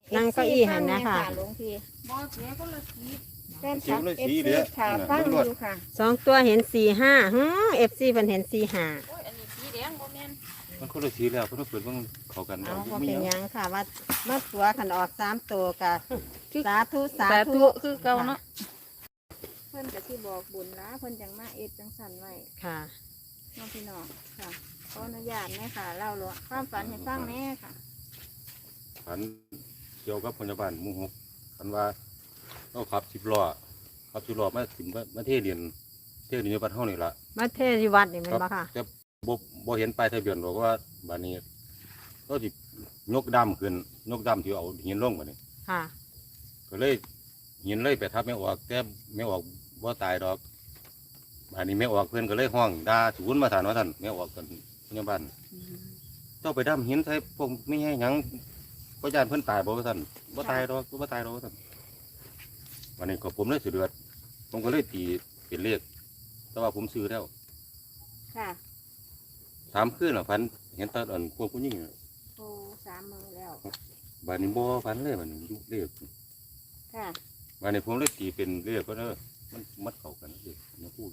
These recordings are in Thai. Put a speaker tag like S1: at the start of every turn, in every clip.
S1: นั่งเก้าอี้หันนะคะ
S2: หลวงพี่
S3: บ่เสียคนละสี
S2: แฟนคลับเอฟซีค่ะฟังอยู่ค่ะ
S1: 2 ตัวเห็น45FC เพิ่นเห็น45
S3: โอ้ยอันนี้สีแดงบ่แม่น
S4: มันคนละสีแล้วเพิ่นเปิดเบิ่งเข้ากัน
S1: เอา
S4: บ่
S1: ก็
S4: มี
S1: เป็น
S4: ห
S1: ห
S4: ยัง
S1: ยังค่ะว่ามาตัวขันออก3 ตัวกะสาธุสา
S3: สา
S1: ธุ
S3: ธุคือเก่าเนาะ
S2: เพิ่นก็สิบอกบุญนะเพิ่นจังมาเอ็ดจังสั่นไว้
S1: ค่ะ
S2: น้องพี่น้องค่ะขออนุญาตแม่ค่ะเล่าหลวงความฝันให้ฟังแม่ค่ะ
S4: ฝันเกี่ยวกับพยาบาลหมู่6ฝันว่าเราขับ10ล้อมาถึงมาเทเรียนอยู่บ้านเฮานี่ล่ะ
S1: มาเทศอยู่วัดนี่แมันบ่ค่ะ
S4: แต่บ่เห็นป้ายทะเบียนบอกว่าบ้านนี้ก็สิยกดำขึ้นยกดำที่เอาหินลงบัดนี้
S1: ค่ะ
S4: ก็เลยหินเลยไปทับแม่ออกแต่แม่ออกบ่ตายดอกบ้านนี้แม่ออกเพิ่นก็เลยห้องด่าศูนย์มาถานว่าท่านแม่ออกกันพยาบาลต้องไปดำหินใส่พวกไม่ให้หยังก็ยานเพิ่นตายบ่ว่าท่านบ่ตายดอกบ่ตายดอกว่าท่านวันนี้ก็ผมเลยสิเดือดผมก็เลยตีเป็นเลขแต่ว่าผมซื้อแล้ว
S2: ค่ะ
S4: 3 คืนแล้วฝันเห็นตาอันพวกผู้หญิงน่ะ
S2: โอ้3 มื้อแล้ว
S4: บ้านนี้บ่ฝันเลยมันอยู่เลข
S2: ค่ะ
S4: บ้านนี้ผมเลยตีเป็นเลขก็เด้อมันมัดเข้ากันเลขนะพูด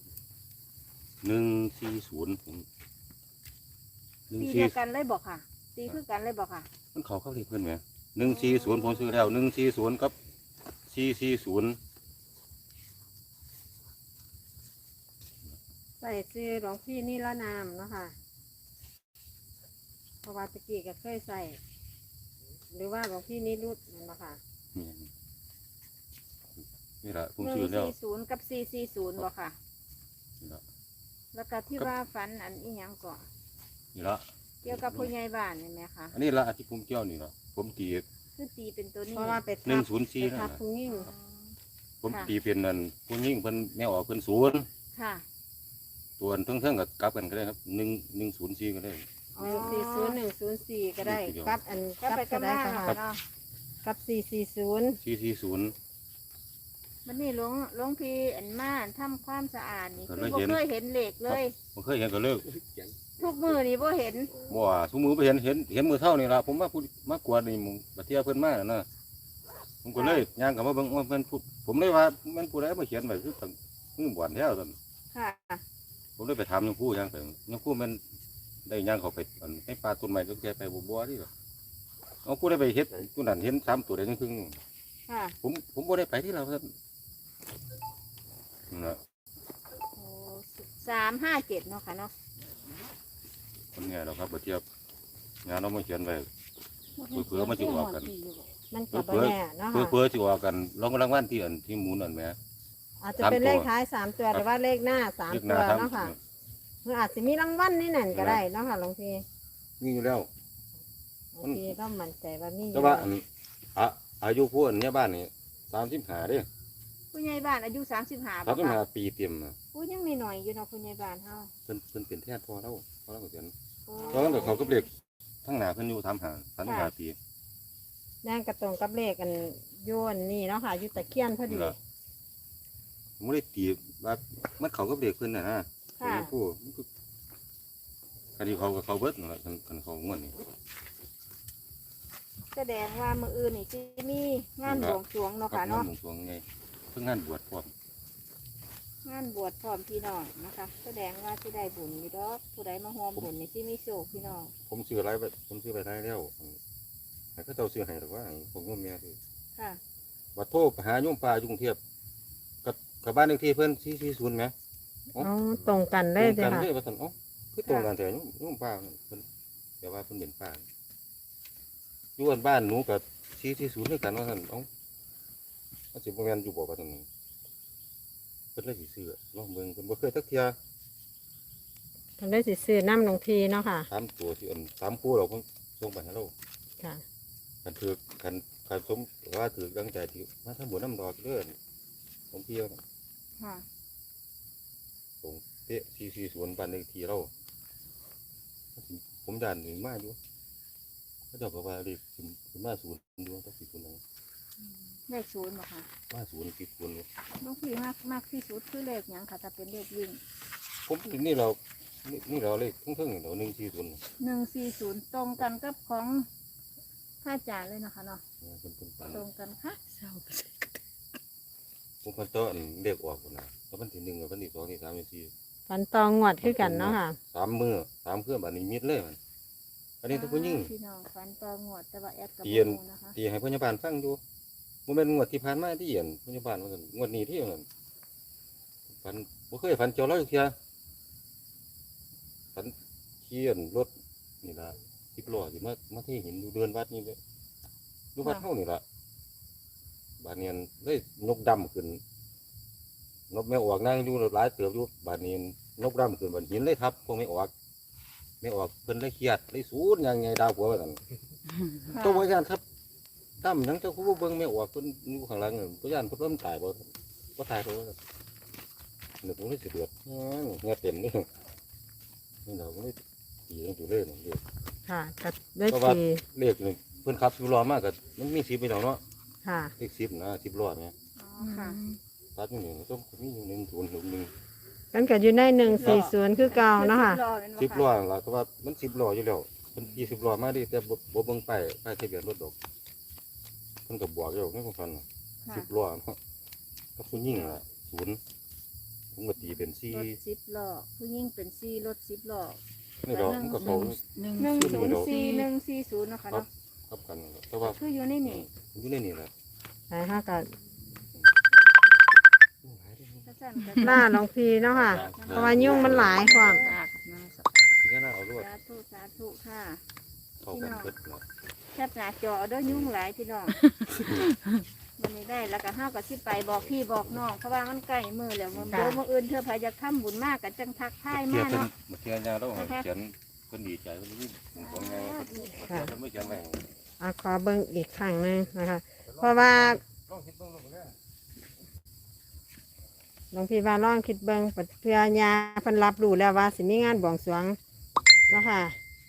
S4: 140ผม
S2: ตีเดียวกันเลยบอกค่ะ ตีคือกันเลยบอกค่ะ
S4: มันเข้าเลขเพิ่นแหม140ผมซื้อแล้ว140กับ440
S1: ใส่ซื้อหลวงพี่นี่ละนามเนาะค่ะเพราะว่าตะกี้ก็เคยใส่ หรือว่าหลวงพี่นี่รุดแมันบ่ค่ะ
S4: นี่ล่ะผมซื้อแล้ว
S2: 140กับ440บอกค่ะ
S4: นี่ล่ะ
S2: แล้วก็ที่ว่าฝันอันอีหยังก่อน
S4: นี่ล่ะ
S2: เกี่ยวกับผู้ใหญ่บ้านนี่ไหมคะ
S4: อันนี้ละที่ผมเกี่ยวนี่ล่ะผมตี
S2: คือตีเป็นตัวนี้
S1: เพราะว่าไป
S4: หนึ่
S1: ทั
S4: ง
S1: บ
S4: ศูนย์สี่
S1: ไป
S4: นั่น
S1: ทับ
S4: น่ะ
S1: ผู้ยิ่ง
S4: ผมตีเป็นนั่นผู้ยิ่งเพิ่นแม่ออกเพิ่นศูนย์
S2: ค่ะ
S4: ตัวเทั้งๆกับกลับกันก็ได้ครับ104ก็ได้
S1: อ๋อ40104ก็ได้
S4: เดี๋ยว
S1: กับอัน
S2: ก็
S1: กับ
S2: ไป
S1: ก็
S2: กำ
S1: ได้
S2: ลัง
S1: ค่ะ
S2: เนาะ
S1: กับ440
S4: 440
S2: มันนี่หลวงพี่อันมาทำความสะอาดนี่
S4: ก็
S2: คือ
S4: เลย
S2: บ่
S4: เห็น
S2: เคยเห็นเหล็กเลย
S4: ผมเคยเห็นก็เลิก
S2: ทุกมือนี่บ่เห็น
S4: บ่ว่าทุกมือไปเห็นมือเท่านี่ล่ะผมมาพูดมากวดนี่มึงบัดเที่ยเพิ่นมาน่ะนะผมก็เลยย่างกลับมาเบิ่งว่าเพิ่นพูดผมเลยว่ามันผู้ใดมาเขียนไว้คือตั้งมือบ่อนแท้ซั่น
S2: ค่ะ
S4: ผมเลยไปถามหลวงปู่ย่างไปหลวงปู่มันได้ย่างเข้าไปอันให้ปลาต้นไม้ก็แกไปบ่นี่ล่ะเอาผู้ได้ไปเฮ็ดผู้นั้นเห็น3ตัวได้ครึ่ง
S2: ค่ะ
S4: ผมบ่ได้ไปที่เราซั่นนั่นล่ะ
S2: โอ้357เนาะค่ะเนาะ
S4: คนแง่ดอกครับบัดเที่ยงานเรามาเขียนไว้เผื่อๆมันสิออกกัน
S1: มันก็บ่แน่เนาะ
S4: เพื่อ
S1: ค่ะ
S4: เพื่อที่ว่ากันรางวัลที่อันที่หมูนอันแหม่
S1: อาจจะเป็นเลขท้าย3 ตัวหรือว่าเลขหน้า3
S4: เลขห
S1: ตั
S4: น้าว ครับ
S1: เนาะค่ะหรืออาจจะมีรางวัลนี่นั่นก็ได้เนาะค่ะหลวงพี่
S4: มีอยู่แล้ว
S1: หลวงพี่ก็มั่นใจว่ามีอยู่
S4: แต่ว่าอันอายุผู้อันเนี้ยบ้านนี่35เด้
S2: ผู้ใหญ่บ้านอายุ35บ่ค่ะ
S4: 35ปีเต็มน่ะ
S2: ผู้ยังน้อยๆอยู่เนาะผู้ใหญ่บ้านเฮา
S4: เพิ่นเป็นแทนพ่อเราก็เขียน
S2: โอ้
S4: เพราะงั้นเดี๋ยวเขาก็เรียกทั้งหน้าเพิ่นอยู่35ปี
S1: แดงกระตรงกับเลขกันโยนนี่เนาะค่ะอยู่ตะเคียนพอดี
S4: นี่ล่ะผมบ่ได้ตีว่ามันเขาก็เรียกเพิ่นน่ะนะ
S2: ค่ะ
S4: ผู้มันก็คันที่เขาก็เขาเบิดนั่นล่ะคันเขางวดนี่
S2: แสดงว่ามื้ออื่นนี่สิมีงานบวงสรวงเนาะค่ะเนาะ
S4: งานบวงสรวงไงเพิ่งงานบวชพร้อม
S2: งานบวชพร้อมพี่น้องนะคะ แสดงว่าสิได้บุญอยู่ดอกผู้ใดมาร่วมบุญนี่สิมีโชคพี่น้อง
S4: ผมซื้ออะไรไปผมซื้อไปได้แล้วให้เขาเจ้าซื้อให้หรอกว่าผมโยมแม่คือ
S2: ค่ะ
S4: วัดโทษหาโยมป่าอยู่กรุงเทพกับบ้านเลขที่เพิ่น440แหม
S1: อ๋อตรงกันเลย
S4: ตร
S1: จ้ะ
S4: งกัน
S1: ค่ะ
S4: เลยว่าซั่นเอ้าคือตรงกันแต่โยมป่าเพิ่นแต่ว่าเพิ่นเป็นป่าอยู่อันบ้านหนูกับ440ด้วยกันว่าซั่นเอ้ามันสิบ่แม่นอยู่บ่ว่าซั่นเพิ่นเลยสิซื้อลองเบิ่งเพิ่นบ่เคยจักเที่ย
S1: ทำได้สิซื้อน้ำหลวงพี่เนาะค่ะ
S4: 3ตัวที่อัน3คู่เราเพิ่นส่งไปให้เรา
S1: ค่ะ
S4: คันถือคันสมว่าถือตั้งใจที่มาทำบุญน้ำดอกเด้อของพี่เอา
S2: ค่ะ
S4: ตรงเป๊ะ440บ้านเลขที่เราผมด่านหนึ่งมาอยู่เขาเจ้าก็ว่าเลขขึ้นมาศูนย์ดูต้องสิศูนย์หนึ่ง
S2: เลข0บ่ค่ะ
S4: มาศูนย์ติดศูนย์อยู่
S2: ลูกพี่มากที่สุดคือเลขหยังค่ะถ้าเป็นเลขวิ่ง
S4: ผมถึงนี่เรานี่เราเลขเพิ่งๆเรา140
S2: 140ตรงกันกับของพระอาจารย์เลยนะคะเนาะ
S4: เพิ่นฝัน
S2: ตรงกันค่ะ
S4: ผมเพิ่นต้นเรียกออกพุ่นน่ะแล้ววันที่1กับวันที่2ที่3ที่4
S1: ฝันตองงวดคือกันเนาะค่ะ
S4: 3มื้อ3คืนบัดนี้มิดเลยมันอันนี้ทุกผู้หญิง
S2: พี่น้องฝันต่องวดแต่ว่าแอดกับ
S4: เตียน
S2: โมนะคะ
S4: ที่ให้พยาบาลฟังอยู่บ่แม่นงวดที่ผ่านมาที่เห็นพยาบาลว่าซั่นงวดนี้ที่นั่นฝันบ่เคยฝันเจอเราอยู่เที่ยฝันขี่รถนี่ล่ะ10ล้อสิมาเทหินอยู่เดินวัดนี่เลยอยู่วัดเฮานี่ล่ะบาดนี้เลยนกดำขึ้นนกแม่ออกนั่งอยู่หลายเติบอยู่บาดนี้นกดำขึ้นบนหินเลยทับพวกไม่ออกเพิ่นเลยเครียดเลยสูนยังไงดาวหัวว่าซั่น ตัวพยานครับตั้มทั้งเจ้าคู่เบิ้งไม่ออกคนอยู่ข้างหลังพยานเพิ่นล้มตายบ่ตายตัวหนึ่งผมเลยสิเดือดเงี้ยเต็มนี่นี่เราไม่ตีกันอยู่เลยนี่
S1: ค่ะก็ได้
S4: เพราะว่า
S1: สี่
S4: เลขนี่เพิ่นขับ10ล้อมากก็มันมี10ไปแล้วเนาะ
S1: ค่ะ
S4: เลข10นะ10ล้อเนี่ย
S2: อ๋อค่ะ
S4: ตัดอยู่นี่มันต้องมีอยู่1 0 1
S1: กันก็อยู่ใน140คือเก่าเนาะค่ะ
S4: 10ล้อล่ะแต่ว่ามัน10ล้ออยู่แล้วเพิ่นขี่10ล้อมาดิแต่บ่เบิ่งป้ายทะเบียนรถดอกเพิ่นก็บอกอยู่ในความฝัน
S2: ค่ะ
S4: 10ล้อเนาะกับผู้หญิงล่ะ0ผมก็ตีเป็น
S2: รถ10 ล้อผู้ยิ่งเป็น4รถ10 ล้อ
S4: นี่ดอกมันก็เขา
S2: 104140นะคะเนาะ
S4: ครับกันนั่นแหละแต่ว่า
S2: คืออยู่ในนี่
S4: อยู่ในนี่แหละ
S1: แต่ถ้าก็
S2: ถ้าสั่นก็
S1: ล่าหลวงพี่เนาะค่ะ เพราะว่ายุ่งมันหลายความ
S4: ทีนี้น่าเอาลวด
S2: สาธุสาธุค่ะ
S4: เข้ากันเพิ่นเนาะ
S2: แคบหน้าจอเด้อยุ่งหลายพี่น้องวันนี้ได้แล้วก็เฮาก็สิไปบอกพี่บอกน้องเพราะว่ามันใกล้มื้อแล้วมื้อเดี๋ยวมื้ออื่นเธอพายจะทำบุญมากก็จังทักทาย
S4: เทีย
S2: มา
S4: เพิ่น
S2: เนาะ
S4: เทียยาแล้วเขียนเพิ่นดีใจเพิ่นนี่ของไงเพิ่นไม่เขียนไว้
S1: ขอเบิ่งอีกครั้งหนึงนะคะ เพราะว่าหลวงพี่ว่าลองคิดเบิ่งเพื่อยาเพิ่นรับรู้แล้วว่าสิมีงานบวงสรวงเนาะค่ะ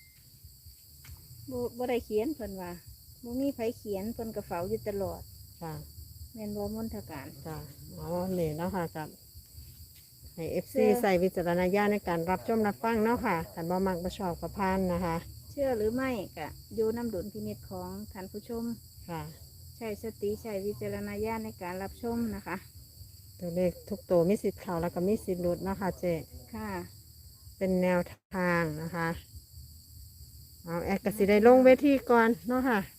S2: บ่ได้เขียนเพิ่นว่าบ่มีไผเขียนเพิ่นก็เฝ้าอยู่ตลอด
S1: ค่ะ
S2: แม่นบ่มนทการ
S1: จ้ะอ๋อนี่เนาะค่ะกับให้ FC ใส่วิจารณญาณในการรับชมรับฟังเนาะค่ะท่านบ่มักบ่ชอบกับพานนะคะ
S2: เชื่อหรือไม่ก็อยู่น้ำดุลพินิจของท่านผู้ชม
S1: ค่ะ
S2: ใช้สติใช้วิจารณญาณในการรับชมนะคะ
S1: ตัวเลขทุกตัวมีสิทธิ์เข้าแล้วก็มีสิทธิ์หลุดเนาะค่ะเจ
S2: ค่ะ
S1: เป็นแนวทางนะคะ เอาแอดกสิได้ลงเวทีก่อนเนาะค่ะ